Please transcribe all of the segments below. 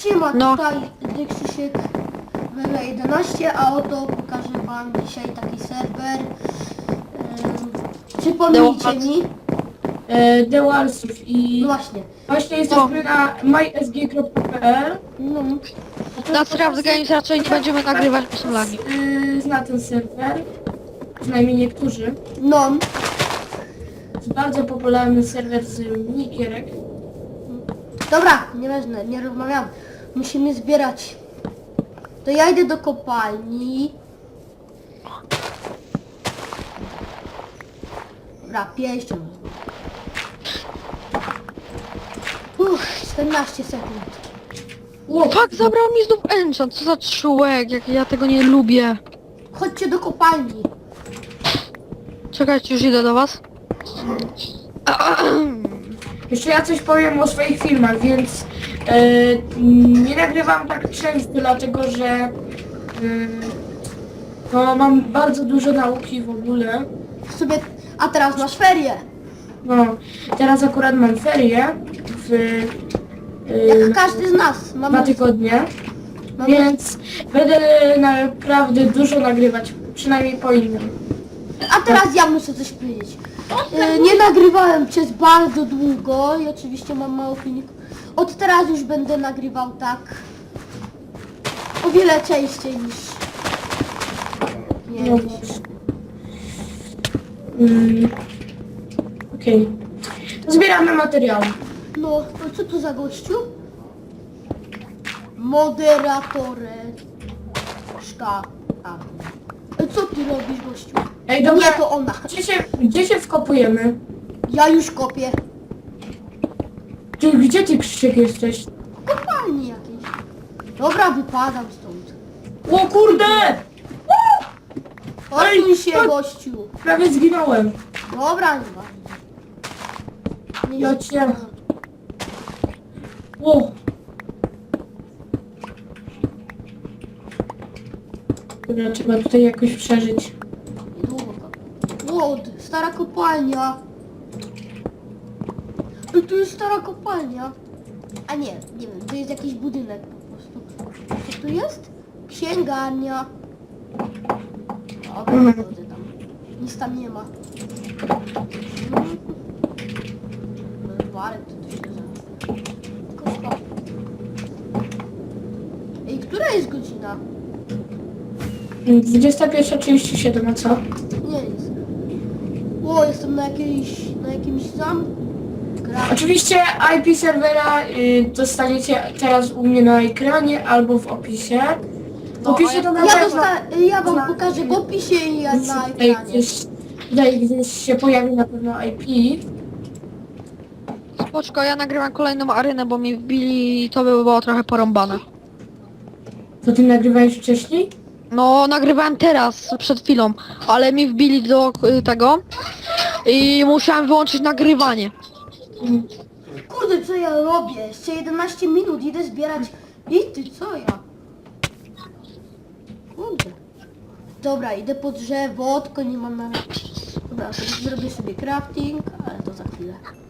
Siema, No. tutaj Krzysiek Wele 11, a oto pokażę wam dzisiaj taki serwer. Przypomnijcie mi. The Warsów i No właśnie. właśnie jesteśmy na mysg.pl. No, Na Craft Games raczej nie będziemy nagrywać, bo są lagi. Zna ten serwer, przynajmniej niektórzy. no. Jest bardzo popularny serwer z minigierek. Dobra, nieważne, nie rozmawiam. Musimy zbierać. To ja idę do kopalni. Dobra, pięścią. 14 sekund. Ło, Fuck, zabrał mi znów enchant, co za człowiek, jak ja tego nie lubię. Chodźcie do kopalni. Czekajcie, już idę do was. jeszcze ja coś powiem o swoich filmach, więc nie nagrywam tak często, dlatego że no, mam bardzo dużo nauki w ogóle. Sobie, a teraz masz ferie. No, teraz akurat mam ferie w Jak każdy z nas. 2 tygodnie. mamy Więc będę naprawdę dużo nagrywać, przynajmniej po innym. A teraz ja muszę coś powiedzieć. Nie nagrywałem przez bardzo długo i oczywiście mam mało filmików. Od teraz już będę nagrywał tak o wiele częściej niż nie No wiem. właśnie. Okej. To zbieramy materiały. No, to co to za gościu? Moderatorę. Szka. A. Co ty robisz, gościu? Ej, dobra, Nie, to ona. gdzie się wkopujemy? Ja już kopię. Gdzie ty, Krzysiek, jesteś? Kopalni jakieś. Dobra, wypadam stąd. O kurde! Odsuń się, to- gościu. Prawie zginąłem. Dobra, nie ważne. Nie Ja cię... O! Dobra, trzeba tutaj jakoś przeżyć. Łód, stara kopalnia. No tu jest stara kopalnia. A nie, nie wiem, to jest jakiś budynek po prostu. Co tu jest? Księgarnia. Dobra, wchodzę tam. Nic tam nie ma. Warek to się zaraz. Tylko stop. Ej, która jest godzina? 21:37, a co? Nie jest. O, jestem na jakimś zamku. Oczywiście IP serwera dostaniecie teraz u mnie na ekranie albo w opisie. W opisie to na pewno... Ja wam pokażę w opisie i ja na Tutaj ekranie. gdzieś się pojawi na pewno IP. Spoczko, ja nagrywam kolejną arenę, bo mi wbili i to by było trochę porąbane. To ty nagrywałeś wcześniej? No, nagrywałem teraz, przed chwilą, ale mi wbili do tego i musiałem wyłączyć nagrywanie. Kurde, co ja robię? Jeszcze 11 minut, idę zbierać. I ty, co ja? Kurde. Dobra, idę po drzewo, tylko nie mam na... Dobra, to zrobię sobie crafting, ale to za chwilę.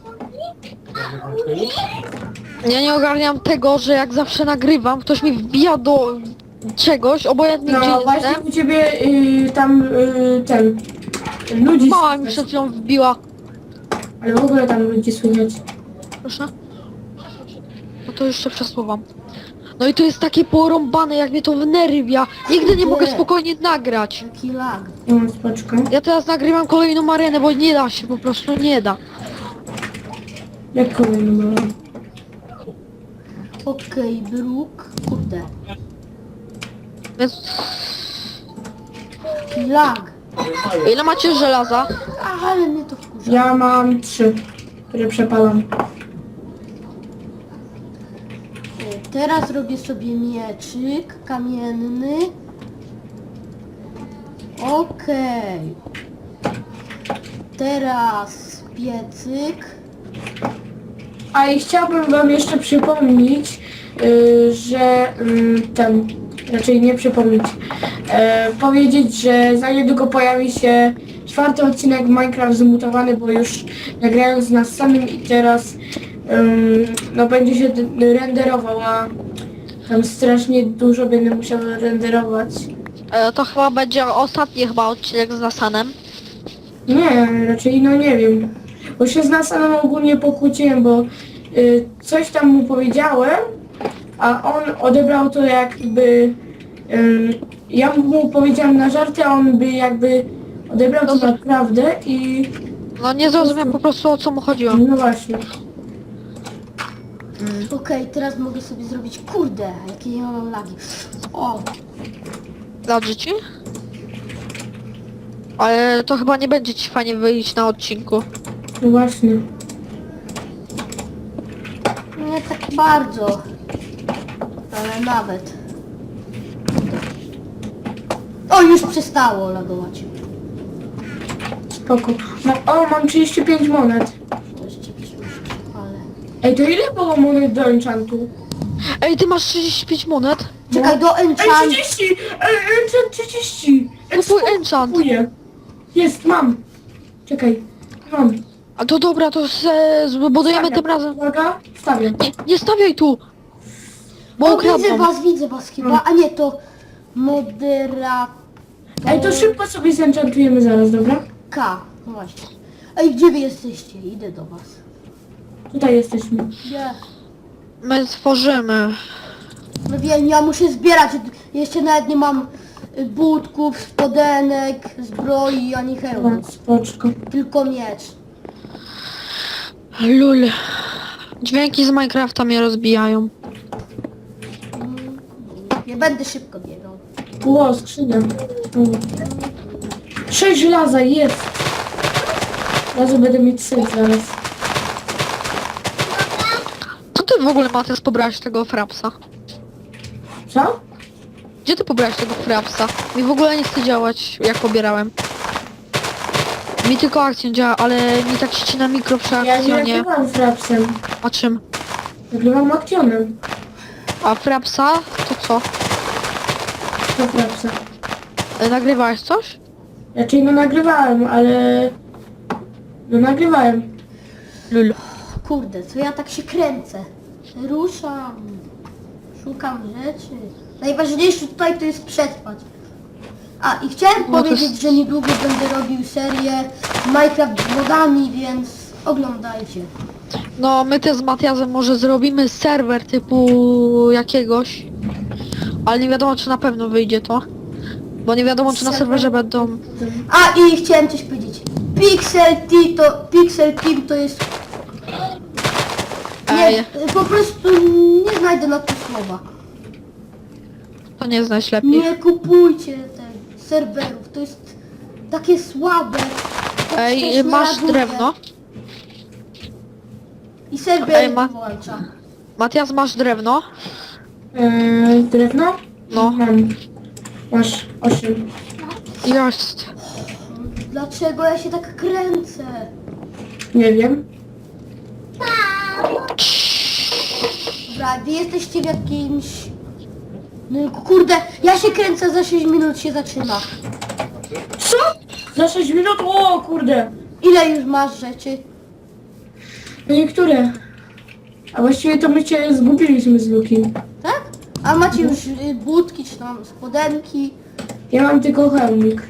Ja nie ogarniam tego, że jak zawsze nagrywam, ktoś mi wbija do czegoś, obojętnie gdzie No właśnie jestem. u ciebie tam ten... Ludzi Mała mi słychać. przed chwilą wbiła. Ale w ogóle tam ludzi słychać. Proszę. No to jeszcze przesuwam. No i to jest takie porąbane, jak mnie to wnerwia. Nigdy nie mogę spokojnie nagrać. Jaki lag. No, spoczko. Ja teraz nagrywam kolejną arenę, bo nie da się, po prostu nie da. Jak kolejny było? Okej, bruk. Kurde. Więc Jaki lag. ile macie żelaza? Ale mnie to wkurza. Ja mam 3, które przepalam. Teraz robię sobie mieczyk kamienny. Okej. Teraz piecyk. A i chciałbym wam jeszcze przypomnieć, że raczej nie przypomnieć, powiedzieć, że za niedługo pojawi się 4. odcinek Minecraft Zmutowany, bo już nagrałem z nas samym i teraz no będzie się renderował, a Tam strasznie dużo będę musiał renderować. To chyba będzie ostatni chyba odcinek z Nasanem. Nie, raczej no nie wiem. Bo się z Nasanem ogólnie pokłóciłem, bo coś tam mu powiedziałem, a on odebrał to jakby... ja mu powiedziałem na żarty, a on by jakby odebrał to Dobra. naprawdę i... No nie zrozumiałem po prostu o co mu chodziło. No właśnie. Okej, teraz mogę sobie zrobić... Kurde, jakie ja mam lagi. O, Dobrze ci? Ale to chyba nie będzie ci fajnie wyjść na odcinku. No właśnie. nie tak bardzo. Ale nawet. O, już przestało lagować. Spoko. Mam 35 monet. To jeszcze przyszłość, ale... Ej, to ile było monet do enchantu? Ej, ty masz 35 monet? Czekaj, do Ej, enchant... 30! Enchant 30! To twój enchant. Kupuję. Jest, mam. Czekaj, mam. A to dobra, to zbudujemy tym razem. Uwaga, wstawię. Nie stawiaj tu! Bo O, ukradną. widzę was chyba. A nie, to... Moderator... Ej, to szybko sobie zenchantujemy zaraz, dobra? K. No właśnie. Ej, gdzie wy jesteście? Idę do was. Tutaj jesteśmy. Gdzie? My tworzymy. No wiem, ja muszę zbierać. Jeszcze nawet nie mam butków, spodenek, zbroi, ani hełmu. O, spoczko. Tylko miecz. Lul. Dźwięki z Minecrafta mnie rozbijają. Nie będę szybko biegał. Ło, skrzynia. 6 żelaza, jest. Razu będę mieć syf zaraz. Co ty w ogóle, Matys, pobrałeś tego frapsa? Co? Gdzie ty pobrałeś tego frapsa? Mi w ogóle nie chce działać, jak pobierałem. Mi tylko akcja działa, ale mi tak ścina mikro przy Ja nie akcjonie. nagrywam frapsem. A czym? Nagrywam akcjonem. A frapsa? To co? To frapsa. Nagrywałeś coś? Raczej no nagrywałem, ale... No nagrywałem. Lul. Kurde, co ja tak się kręcę? Ruszam. Szukam rzeczy. Najważniejsze tutaj to jest przetrwać. A i chciałem No to powiedzieć, jest- że niedługo będę robił serię Minecraft z modami, więc oglądajcie. No, my też z Matiasem może zrobimy serwer typu jakiegoś. Ale nie wiadomo, czy na pewno wyjdzie to. Bo nie wiadomo, czy na serwerze będą... A i chciałem coś powiedzieć. Pixel Team to jest... Ej, Nie, po prostu nie znajdę na to słowa. to nie znać lepiej. Nie kupujcie tych serwerów, to jest takie słabe. Tak Ej, strasznie masz laguje. drewno? I serwer Ej, włącza. Matias, masz drewno? Drewno? No. Mam. Masz 8. Jest. Dlaczego ja się tak kręcę? Nie wiem. Dobra, wy jesteście w jakimś... No kurde, ja się kręcę, za 6 minut się zaczyna. Co? Za 6 minut? O kurde. Ile już masz rzeczy? No niektóre. A właściwie to my cię zgubiliśmy z Luki. Tak? A macie już budki, czy tam spodenki? Ja mam tylko hełmik.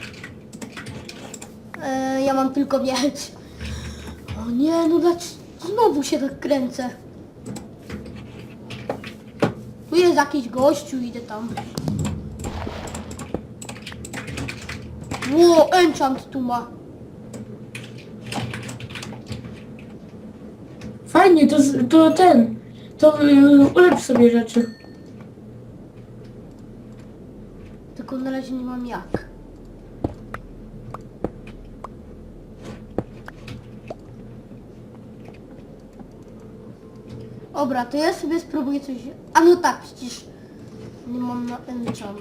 Ja mam tylko miecz. O nie, no dlaczego znowu się tak kręcę? Tu jest jakiś gościu, idę tam. Ło, enchant tu ma. Fajnie, to ulepsz sobie rzeczy. Tylko na razie nie mam jak. Dobra, to ja sobie spróbuję coś... A no tak, przecież nie mam na enchant.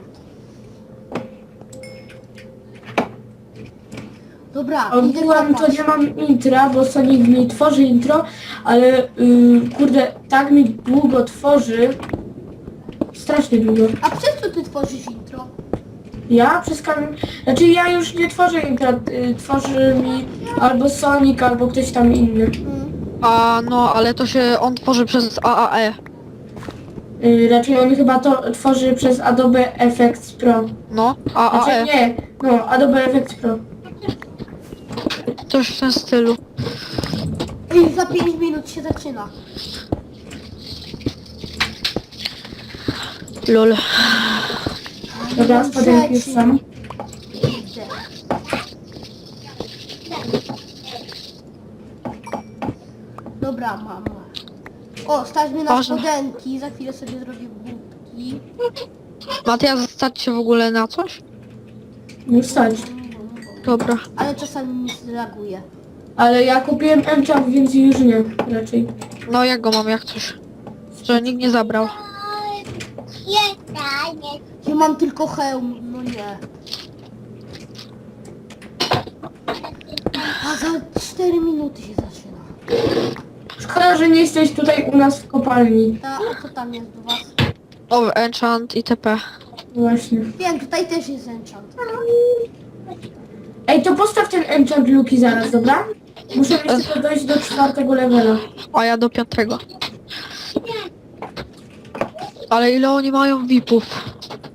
Dobra, idę Ogółem to kopać. nie mam intra, bo Sonic mi tworzy intro, ale kurde, tak mi długo tworzy. Strasznie długo. A przez co ty tworzysz intro? Ja przez Znaczy ja już nie tworzę intra, tworzy mi albo Sonic, albo ktoś tam inny. Mm. A no, ale to się on tworzy przez AAE. Raczej on chyba to tworzy przez Adobe Effects Pro. No, Znaczy nie, no Adobe Effects Pro. coś w tym stylu. I za 5 minut się zaczyna. Lol. Dobra, spodenki już są. Idę. Dobra, mam. O, stać mnie na Boże. spodenki, za chwilę sobie zrobię głupki. Matias, stać się w ogóle na coś? Już stać. Dobra. Ale czasami mi zreaguje. Ale ja kupiłem enchant, więc już nie, raczej. No jak go mam, jak coś? Że nikt nie zabrał. Ja mam tylko hełm, no nie. A za 4 minuty się zaczyna. Szkoda, że nie jesteś tutaj u nas w kopalni. A co tam jest do was? O, enchant itp. Właśnie. Wiem, tutaj też jest enchant. Ej, to postaw ten enchant Luki zaraz, dobra? Muszę jeszcze tylko dojść do 4. levela. A ja do 5. Ale ile oni mają VIP-ów?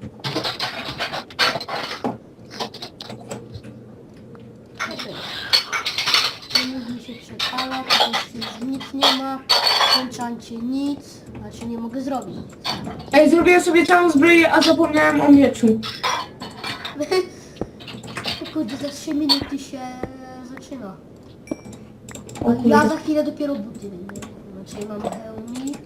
Nie mi się przepala, tutaj już nic nie ma. W enchancie nic. Znaczy nie mogę zrobić. Ej, zrobiłem sobie całą zbroję, a zapomniałem o mieczu. Kurde, za 3 minuty się zaczyna. O kurde. Ja za chwilę dopiero buty. Znaczy mam hełmik.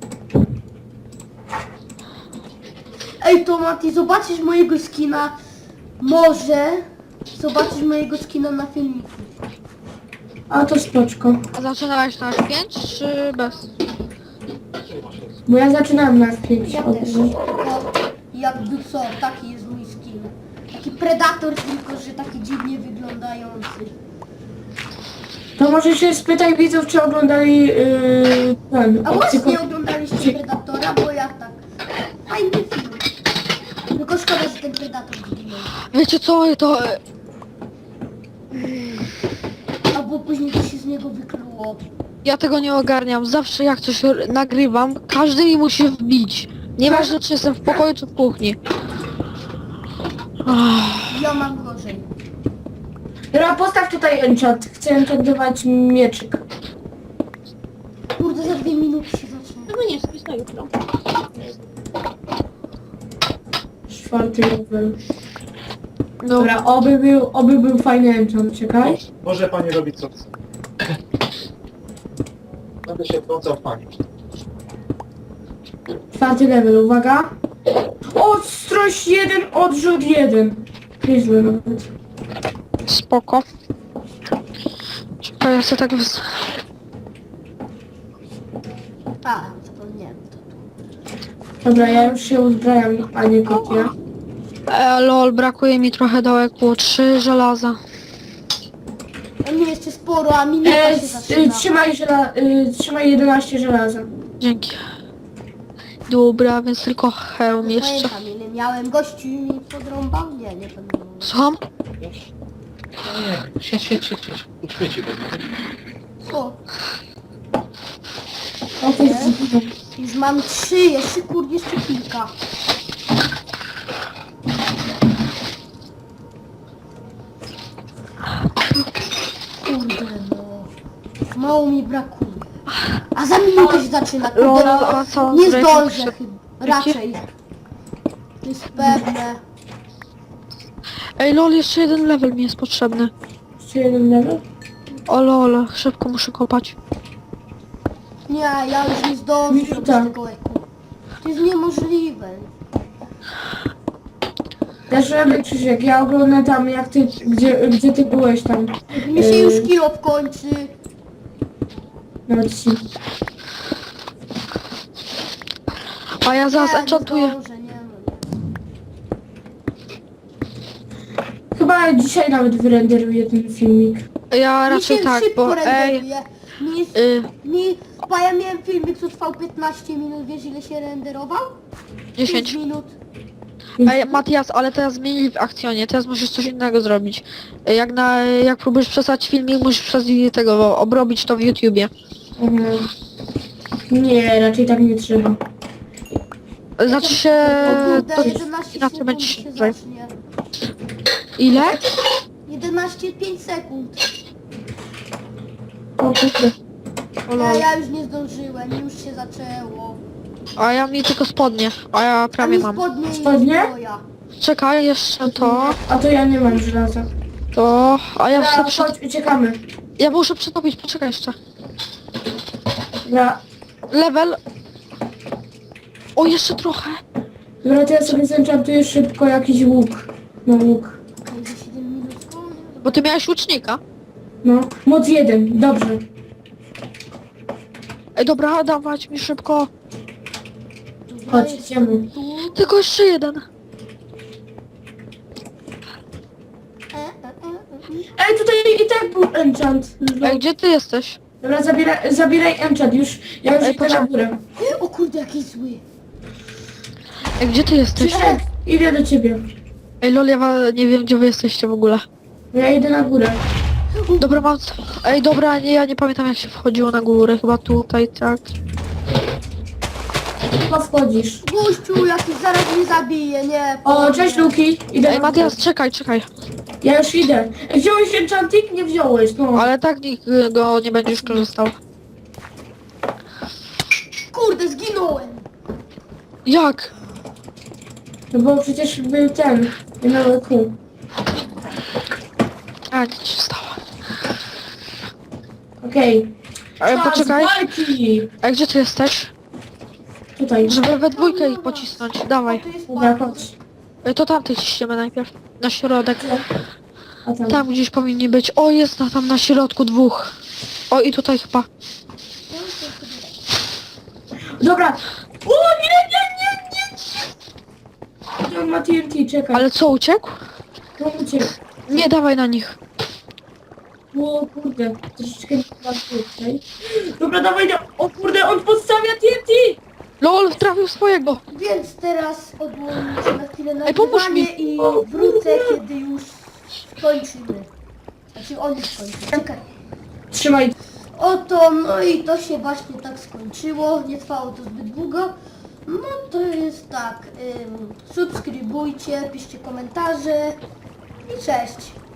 Ej Tomati, zobaczysz mojego skina. Może zobaczysz mojego skina na filmiku. A to spoczko. A zaczynałeś na 5 czy bez? Bo ja zaczynałem na F5. Ja też. No, jakby co, taki jest mój skin. Taki predator, tylko że taki dziwnie wyglądający. To może się spytaj widzów, czy oglądali ten. A właśnie oglądaliście Predatora, bo ja tak. Fajny film. Tylko szkoda, że ten Predator zginął. Wiecie co, to... Albo później to się z niego wykluło. Ja tego nie ogarniam. Zawsze jak coś nagrywam, każdy mi musi wbić. Nieważne czy jestem w pokoju czy w kuchni. Ach, Ja mam gorzej. Dobra, postaw tutaj enchant. Chcę enchantować mieczyk. Kurde, za 2 minuty się zacznie. No nie, spis na jutro. 4. level. no, Dobra, oby był fajny enchant, czekaj. Może pani robić co chce. Będę się wtrącał w pani. 4. level, uwaga. Ostrość 1, odrzut 1. Nieźle nawet. spoko. Czekaj, ja sobie tak wys... A, zapomniałem to tu. Dobra, ja już się uzbrajam, a nie kopię. Lol, brakuje mi trochę dołku. 3 żelaza. A mnie jeszcze sporo, a minuta się zaczyna. Trzymaj 11 żelaza. Dzięki. Dobra, więc tylko hełm jeszcze. Pamiętam ile miałem. Gościu mi podrąbał? Nie, nie pamiętam. Słucham? No nie, siedź. Uśmieci go. O, O, to jest dziwne. już mam 3, jeszcze kurde, jeszcze kilka. Kurde no. Mało mi brakuje. A za minutę się zaczyna. Kurde, Lola, no, a co? nie Zdrajcie zdążę się. chyba. Raczej. To jest pewne. Ej lol, jeszcze jeden level mi jest potrzebny. Jeszcze 1 level? O lol, szybko muszę kopać. Nie, ja już nie zdążę Minuta. zrobić tego eku. To jest niemożliwe. Też robię Krzysiek, ja oglądam tam jak ty, gdzie ty byłeś tam Mi się już kilo kończy. na odcinku. A ja zaraz Nie, enchantuję. Nie zdążę, nie, no nie. Chyba dzisiaj nawet wyrenderuję ten filmik. Ja Mi raczej się tak, szybko bo ej... renderuje. Bo ja miałem filmik, co trwał 15 minut, wiesz ile się renderował? 10. 5 minut. Ej, Matias, ale teraz zmienili w akcjonie, teraz musisz coś innego zrobić. Jak próbujesz przesłać filmik, musisz przez tego obrobić to w YouTubie. Nie, raczej tak nie trzeba. Znaczy się... O kurde, To 11 inaczej sekund będzie się się zacznie. Ile? 11,5 sekund. O kurde. O lol. Ja już nie zdążyłem, już się zaczęło. A ja mi tylko spodnie, a ja prawie Ani mam. spodnie i Spodnie? zbroja. Czekaj, jeszcze to, A to ja nie mam żelaza. a ja Dobra, chcę chodź, uciekamy. Ja muszę przetopić, poczekaj jeszcze. Dobra, Level. O, jeszcze trochę. dobra, to ja sobie zenchantuję szybko jakiś łuk. No łuk. Okej, za 7 minut. Bo ty miałeś łucznika. No, moc 1, dobrze. Ej, dobra, dawać mi szybko. Chodź, idziemy. Tu. Tylko jeszcze jeden. Ej, tutaj i tak był enchant. Ej, gdzie ty jesteś? Dobra, zabieraj enchant już. Ja już Ej, idę na poczekaj. górę. O kurde, jaki zły. Ej, gdzie ty jesteś? Ej, idę do ciebie. Ej, lol, nie wiem, gdzie wy jesteście w ogóle. Ja idę na górę. Dobra, mam... Ej, dobra, nie, ja nie pamiętam jak się wchodziło na górę. Chyba tutaj, tak. Chyba wchodzisz. Gościu, jakiś zaraz mnie zabije, nie. O, cześć Luki. Idę Ej, na Matias, górę. czekaj, czekaj. Ja już idę. Ej, wziąłeś enchantik? Nie wziąłeś, no. Ale tak nikt go nie będzie już korzystał. Kurde, zginąłem. Jak? No bo przecież był ten. Miały kół. A, nic się stało. Okej. Ej, Czas poczekaj. walki. Ej, gdzie ty jesteś? Tutaj. Żeby we dwójkę ich pocisnąć, O, dawaj. tu jest Dobra, parkour. chodź. Ej, to tamtych ciśniemy najpierw. Na środek. A tam. Tam gdzieś powinni być. O, jest tam na środku dwóch. O, i tutaj chyba. Dobra. O, nie. On ma TNT, czekaj. Ale co, uciekł? No uciekł. Nie, dawaj na nich. O kurde, troszeczkę nie mam tutaj. Dobra, dawaj, o kurde, on podstawia TNT! LOL, trafił swojego. Więc teraz odłączę na chwilę Ej, pomóż mi. nagrywanie i wrócę, kiedy już skończymy. Znaczy on już skończy. Czekaj. Trzymaj. Oto, no i to się właśnie tak skończyło. Nie trwało to zbyt długo. No to jest tak. Subskrybujcie, piszcie komentarze i cześć.